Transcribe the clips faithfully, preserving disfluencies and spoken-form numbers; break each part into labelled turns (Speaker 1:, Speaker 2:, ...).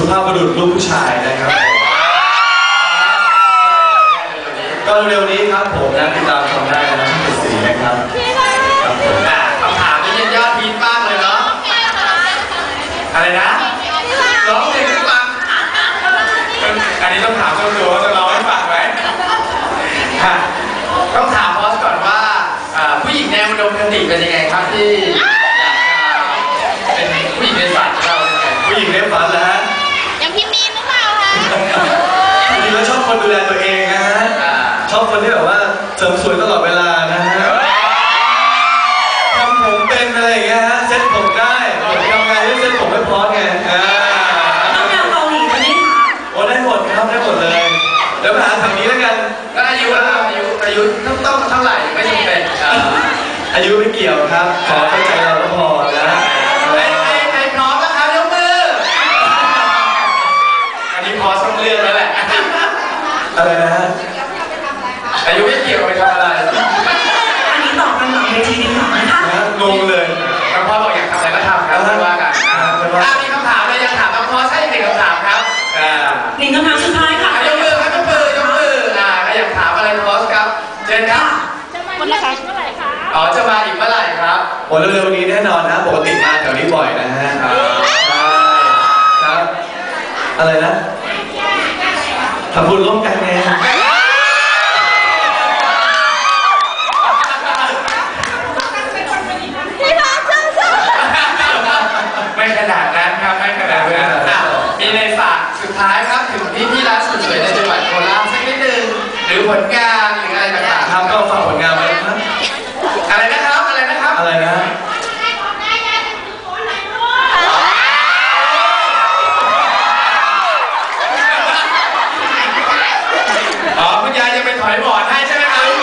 Speaker 1: สุภาพบุรุษลูกผู้ชายนะครับก็เร็วนี้ครับผมนะติดตามชมได้นะที่ติดสีนะครับครับผม
Speaker 2: คำถามนี้ยอดฮิตมากเลยเนาะอะไรนะร้องเพลงให้ฟังอันนี้ต้องถามเจ้าตัวว่าจะร้องให้ฟังไหมต้องถามบอสก่อนว่าผู้หญิงแนวอุดมคติเป็นยังไงครับที่อยากเป็นผู้หญิงในฝันของเรา
Speaker 1: ผู้หญิงในฝันเหรอฮะ
Speaker 3: อย่างพี่มีนหรือเปล่าคะ
Speaker 1: จริงๆแล้วชอบคนดูแลตัวเองนะฮะชอบคนที่แบบว่าเสริมสวยตลอดเวลานะฮะทำผมเป็นอะไรอย่างเงี้ยฮะเซ็ตผมได้ทำงานให้เซ็ตผมไม่พอไง
Speaker 3: ต้องแนวเกาหลีไหมคะ
Speaker 1: โอ้ได้หมดครับได้หมดเลยเดี๋ยวมาหาทางนี้แล้วกัน
Speaker 2: ก็อายุนะครับอายุอายุต้องต้องเท่าไหร่ไม่จำเป็น
Speaker 1: อายุไม่เกี่ยวครับขอเข้าใจเราก็พอนะ
Speaker 2: ใครใครพร้อมนะครับยกมืออันนี้พอสักเรื่องแล้วแหละ
Speaker 1: อะไรนะฮะ
Speaker 2: อายุไม่เกี่ยวไปทำอะไร
Speaker 3: อันนี้ตอบกันหลังเวทีดีกว่านะคะ
Speaker 1: งงเลย
Speaker 2: น้องพ่อบอกอยากทำอะไรก็ทำครับไม่ว่ากันถ้ามีคำถามเลยยังถามน้องพ่อใช่หนึ่งคำถามครับ
Speaker 3: หนึ่งคำถามสุดท้ายค่ะ
Speaker 2: ยกมือครับยกมือยกมืออ่าอยากถามอะไรน้องพ่อครับเชิญครับ
Speaker 3: จะมาอีกเมื่อไหร่คะ
Speaker 2: อ๋อจะมาอีกเมื่อไหร่ครับ
Speaker 1: โอ้เร็วๆนี้แน่นอนนะปกติมาแถวนี้บ่อยนะฮะใช่ครับอะไรนะทำบุญร่วมกันไง
Speaker 2: ไม่ขนาดนั้นครับไม่ขนาดนั้นมีในฝากสุดท้ายครับถึงพี่พี่ร้านสวยๆในจังหวัดโคราชสักนิดนึงหรือผลงานหรืออะไรต่างๆ
Speaker 1: ครับก็ฝากผลงานไว้ครับ
Speaker 2: อะไรนะครับอะไรนะครับ
Speaker 1: อะไรนะ
Speaker 2: อ๋อคุณยายจะไปถอยหมอนให้ใช่ไหมครับ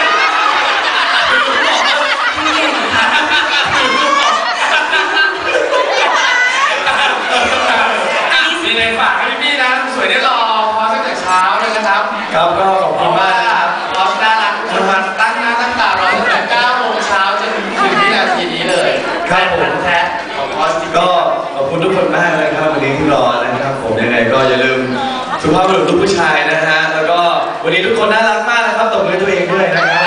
Speaker 2: มีในฝากให้พี่นะสวยได้รอพอตั้งแต่เช้าเลยนะครับ
Speaker 1: ครับก็ขอบคุณมาก
Speaker 2: ครับพอน่ารักทุกคนตั้งหน้าตั้งตารอตั้งแต่เก้าโมงเช้าจนถึงวินาทีนี้เลย
Speaker 1: ครับผม
Speaker 2: แท้ของพอส
Speaker 1: ก็ขอบคุณทุกคนมากเลยครับวันนี้ที่รอนะครับผมยังไงก็อย่าลืมสุภาพบุรุษลูกผู้ชายนะฮะแล้วก็วันนี้ทุกคนน่ารักมากนะครับตบมือตัวเองด้วยนะครับ